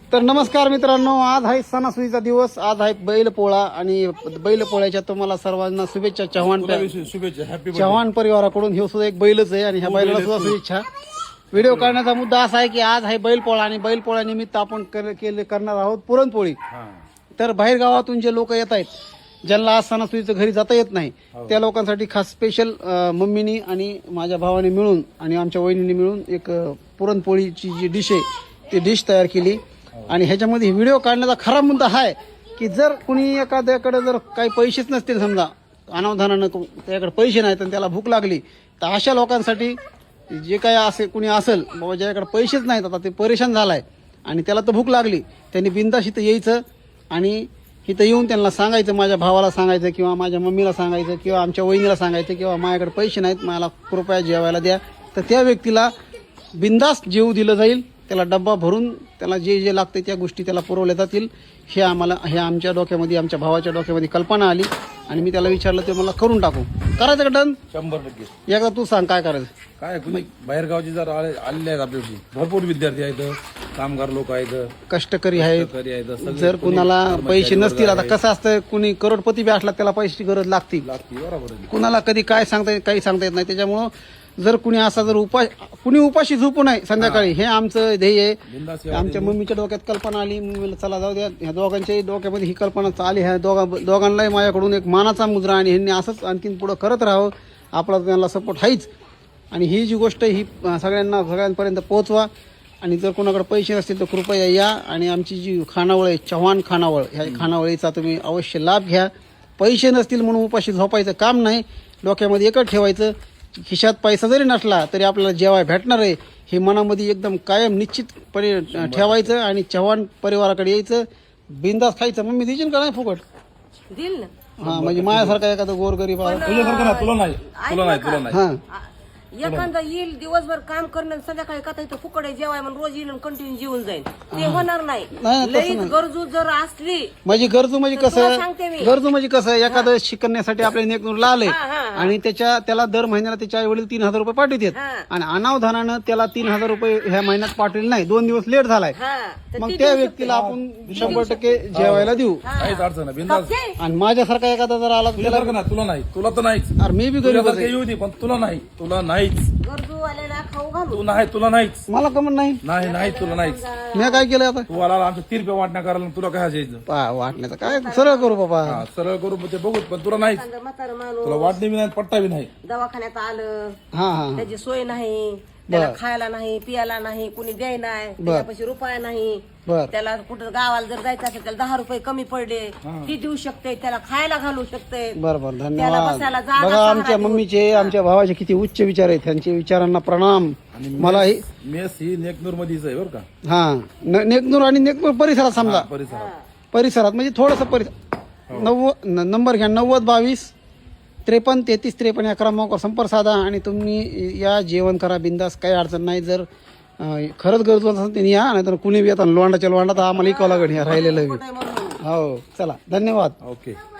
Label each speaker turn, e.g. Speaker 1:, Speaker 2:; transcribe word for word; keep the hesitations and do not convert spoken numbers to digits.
Speaker 1: तर नमस्कार मित्रांनो, आज आहे सणासुदीचा दिवस. आज आहे बैलपोळा आणि बैलपोळ्याच्या तुम्हाला सर्वांना शुभेच्छा. चव्हाण
Speaker 2: शुभेच्छा. हॅपी
Speaker 1: चव्हाण परिवाराकडून हे सुद्धा एक बैलच आहे आणि ह्या बैलाला सुद्धा शुभेच्छा. व्हिडिओ करण्याचा मुद्दा असा आहे की आज आहे बैलपोळा आणि बैलपोळा निमित्त आपण केले करणार आहोत पुरणपोळी. तर बाहेर गावातून जे लोक येत आहेत, ज्यांना आज सणासुदीचं घरी जाता येत नाही, त्या लोकांसाठी खास स्पेशल मम्मीनी आणि माझ्या भावाने मिळून आणि आमच्या वहिनीने मिळून एक पुरणपोळीची जी डिश आहे ती डिश तयार केली. आणि ह्याच्यामध्ये व्हिडिओ काढण्याचा खरा मुद्दा हा आहे की जर कुणी एखाद्याकडे जर काही पैसेच नसतील, समजा अनावधानानं त्याकडे पैसे नाहीत आणि त्याला भूक लागली, तर अशा लोकांसाठी जे काय असे कुणी असेल बाबा ज्याकडे पैसेच नाहीत, आता ते परेशान झालाय आणि त्याला तर भूक लागली, त्यांनी बिनधास्त इथं यायचं आणि इथं येऊन त्यांना सांगायचं, माझ्या भावाला सांगायचं किंवा माझ्या मम्मीला सांगायचं किंवा आमच्या वहिनीला सांगायचं किंवा माझ्याकडे पैसे नाहीत, मला कृपया जेवायला द्या. तर त्या व्यक्तीला बिनधास्त जेवू दिलं जाईल. त्याला डब्बा भरून त्याला जे जे लागते त्या गोष्टी त्याला पुरवल्या जातील. हे आम्हाला हे आमच्या डोक्यामध्ये, आमच्या भावाच्या डोक्यामध्ये कल्पना आली आणि मी त्याला विचारलं ते मला करून टाकू. करायचं का डन?
Speaker 2: शंभर टक्के.
Speaker 1: एकदा तू सांग काय करायचं.
Speaker 2: काय कुणी बाहेरगावचे जर आले आलेले आहेत आपल्याशी, भरपूर विद्यार्थी आहेत, कामगार लोक आहेत,
Speaker 1: कष्टकरी आहेत.
Speaker 2: करी आहेत, सगळे
Speaker 1: जर कुणाला पैसे नसतील, आता कसं असतं, कुणी करोडपती बी असला त्याला पैशाची गरज लागते.
Speaker 2: लागते. बरोबर आहे.
Speaker 1: कुणाला कधी काय सांगता येत काही सांगता येत नाही. त्याच्यामुळं जर कुणी असा जर उपाय कुणी उपाशी झोपू नये संध्याकाळी, हे आमचं ध्येय आहे.
Speaker 2: बिनधास्त सेवा
Speaker 1: आमच्या मम्मीच्या डोक्यात कल्पना आली, मम्मीला चला जाऊ द्या, ह्या दोघांच्याही डोक्यामध्ये ही कल्पना आली. ह्या दोघा दोघांनाही माझ्याकडून एक मानाचा मुद्रा आणि ह्यांनी असंच आणखीन पुढं करत राहावं. आपला त्यांना सपोर्ट आहेच. आणि ही जी गोष्ट ही सगळ्यांना सगळ्यांपर्यंत पोहोचवा. आणि जर कोणाकडे पैसे नसतील तर कृपया या आणि आमची जी खानावळ आहे, चव्हाण खानावळ, ह्या खानावळीचा तुम्ही अवश्य लाभ घ्या. पैसे नसतील म्हणून उपाशी झोपायचं काम नाही. डोक्यामध्ये एकच ठेवायचं, खिशात पैसा जरी नसला तरी आपल्याला जेवाय भेटणार आहे हे मनामध्ये एकदम कायम निश्चितपणे ठेवायचं आणि चव्हाण परिवाराकडे यायचं, बिंदास खायचं. मग मी देशील का नाही फुकट?
Speaker 3: दिल ना.
Speaker 1: हा, म्हणजे माझ्यासारखा एखादा गोरगरीब आहे.
Speaker 2: तुझ्यासारखं ना, तुला नाही तुला नाही तुला नाही
Speaker 1: हा,
Speaker 3: एखादा येईल दिवसभर काम करणं, संध्याकाळी का इथं फुकडे जेवाय म्हणून रोज येईल कंटिन्यू जेवून जाईल, ते होणार नाही.
Speaker 1: नाही, तसं
Speaker 3: लई गरजू जर असली
Speaker 1: म्हणजे गरजू म्हणजे
Speaker 3: तुला
Speaker 1: कसं,
Speaker 3: सांगते मी.
Speaker 1: गरजू म्हणजे कसं, एखादं शिकण्यासाठी आपल्या नेकनूरला आले
Speaker 3: हा, हा, हा.
Speaker 1: आणि त्याच्या त्याला दर महिन्याला त्याच्या आई वडील तीन हजार रुपये पाठवतात
Speaker 3: हा.
Speaker 1: आणि अनावधानानं त्याला तीन हजार रुपये ह्या महिन्यात पाठवले नाही, दोन दिवस लेट झालाय,
Speaker 3: हा, तर
Speaker 1: मग
Speaker 3: ती
Speaker 1: त्या
Speaker 3: देऊ
Speaker 1: व्यक्तीला आपण शंभर टक्के जेवायला देऊ.
Speaker 2: काहीच अडचण नाही. बिनधास्त.
Speaker 3: शकते.
Speaker 1: आणि माझ्यासारखा एखादा जर आला तर त्याला,
Speaker 2: तुझ्यासारखं ना, तुला नाही, तुला तर नाहीच.
Speaker 1: अरे मी बी गरीब
Speaker 2: तुझ्यासारखं येऊ दे, पण तुला नाही, तुला नाहीच.
Speaker 3: गरजू आलेला खाऊ घालू.
Speaker 2: तू नाही, तुला नाहीच.
Speaker 1: मला कमन नाही.
Speaker 2: नाही नाही तुला नाहीच.
Speaker 1: मी काय केलं आता?
Speaker 2: तू आला आमच्या तीन रुपये वाटण्या करायला, तुला काय जायचं?
Speaker 1: पा वाटण्याचं काय सरळ करू बाबा.
Speaker 2: हा, सरळ करू ते बघू, पण तुला नाहीच.
Speaker 3: एखादं म्हातारं
Speaker 2: तुला
Speaker 3: माणूस
Speaker 2: वाटणी बी नाही, पट्टा बी नाही.
Speaker 3: दवाखान्यात आलं,
Speaker 1: हा हा
Speaker 3: त्याची सोय नाही, त्याला खायला नाही, पियाला नाही, कुणी द्याय नाही, त्याच्यापाशी रुपया नाही,
Speaker 1: बर
Speaker 3: त्याला कुठं गावाला जर जायचं असेल त्याला दहा रुपये कमी पडले ती देऊ शकते, त्याला खायला घालू शकते.
Speaker 1: बर बर
Speaker 3: त्याला
Speaker 1: धन्यवाद.
Speaker 3: बसायला जागा
Speaker 1: बघा
Speaker 3: सहारा
Speaker 1: आमच्या
Speaker 3: देऊ.
Speaker 1: मम्मीचे, आमच्या भावाचे किती उच्च विचार आहेत. त्यांच्या विचारांना प्रणाम. मला ही
Speaker 2: मेस ही नेकनूर मध्येच आहे बरं का.
Speaker 1: हा न- नेकनूर आणि नेकनूर परिसरात समजा,
Speaker 2: परिसरात
Speaker 1: परिसरात म्हणजे थोडस परिसर. नव्वद नंबर घ्या, नव्वद बावीस त्रेपन्न तेहतीस त्रेपन्न या क्रमांकावर संपर्क साधा आणि तुम्ही या जेवण करा बिंदास, काही अडचण नाही. जर अं, खरंच गरजू असेल त्यांनी या, नाही तर कुणी बी येतात लोंडाच्या लोंडा तर आम्हाला इकावं लागेल ह्या राहिलेलं बी.
Speaker 3: म्हणून
Speaker 1: हो चला, धन्यवाद.
Speaker 2: ओके.